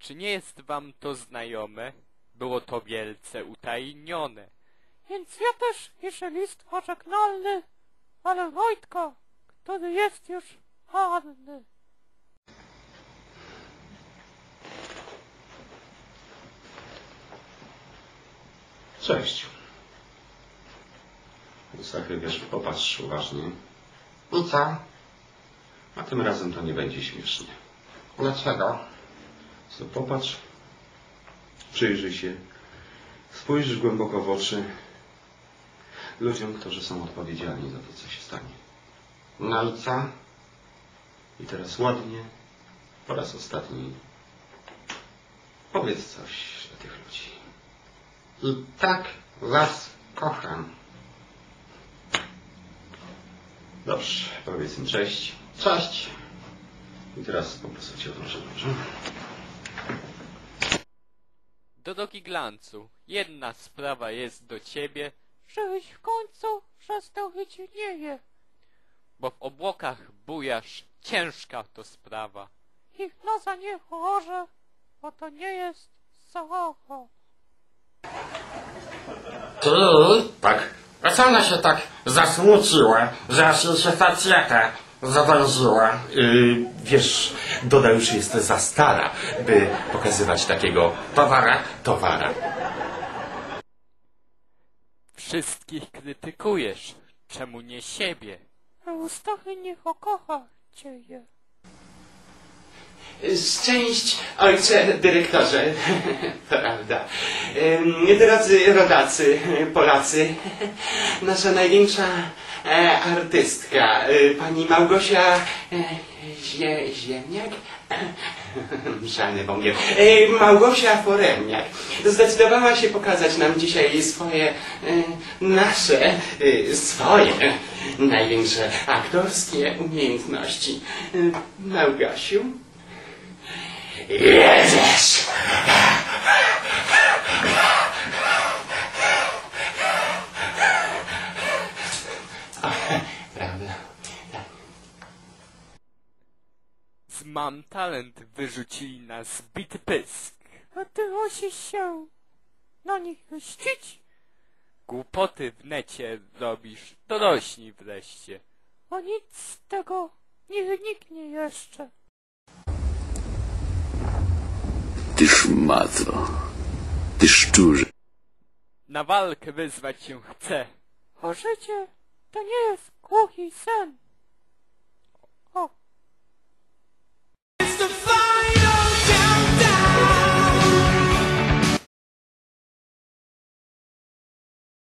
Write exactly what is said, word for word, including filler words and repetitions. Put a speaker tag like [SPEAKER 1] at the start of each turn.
[SPEAKER 1] Czy nie jest wam to znajome? Było to wielce utajnione.
[SPEAKER 2] Więc ja też piszę list pożegnalny, ale Wojtka, który jest już marny.
[SPEAKER 3] Cześć. Sachy, wiesz, popatrz uważnie.
[SPEAKER 4] I co?
[SPEAKER 3] A tym razem to nie będzie śmiesznie.
[SPEAKER 4] Dlaczego?
[SPEAKER 3] Co, popatrz, przyjrzyj się, spójrz głęboko w oczy ludziom, którzy są odpowiedzialni za to, co się stanie.
[SPEAKER 4] No i co?
[SPEAKER 3] I teraz ładnie, po raz ostatni, powiedz coś dla tych ludzi.
[SPEAKER 4] I tak was kocham.
[SPEAKER 3] Dobrze, powiedz im cześć.
[SPEAKER 4] Cześć.
[SPEAKER 3] I teraz po prostu cię odłożę, dobrze?
[SPEAKER 1] Drogi Glancu, jedna sprawa jest do ciebie,
[SPEAKER 2] Żebyś w końcu przestał być nieje.
[SPEAKER 1] bo w obłokach bujasz, ciężka to sprawa.
[SPEAKER 2] Ich nosa nie chorze, bo to nie jest zabawa.
[SPEAKER 4] Ty?
[SPEAKER 3] Tak?
[SPEAKER 4] A co ona się tak zasmuciła, że aż jej się facjata zawęziła?
[SPEAKER 3] Yy, wiesz, Doda już jest za stara, by pokazywać takiego
[SPEAKER 4] Towara?
[SPEAKER 3] towara.
[SPEAKER 1] Wszystkich krytykujesz, czemu nie siebie?
[SPEAKER 2] Eustachy niech okocha cieje.
[SPEAKER 5] Szczęść, ojcze dyrektorze, prawda. Ym, Drodzy rodacy, Polacy, nasza największa e, artystka, e, pani Małgosia e, Zie, Ziemniak? Szalny wągiel. E, Małgosia Foremniak zdecydowała się pokazać nam dzisiaj swoje, e, nasze, e, swoje największe aktorskie umiejętności. E, Małgosiu? Jedziesz! Prawda?
[SPEAKER 1] Z Mam Talent wyrzucili nas bity pysk.
[SPEAKER 2] A ty musisz się na nich mścić,
[SPEAKER 1] Głupoty w necie robisz, dorośnij wreszcie.
[SPEAKER 2] a nic z tego nie wyniknie jeszcze.
[SPEAKER 6] Ty szmato, ty szczurze.
[SPEAKER 1] Na walkę wyzwać się chcę.
[SPEAKER 2] A życie to nie jest głuchi sen.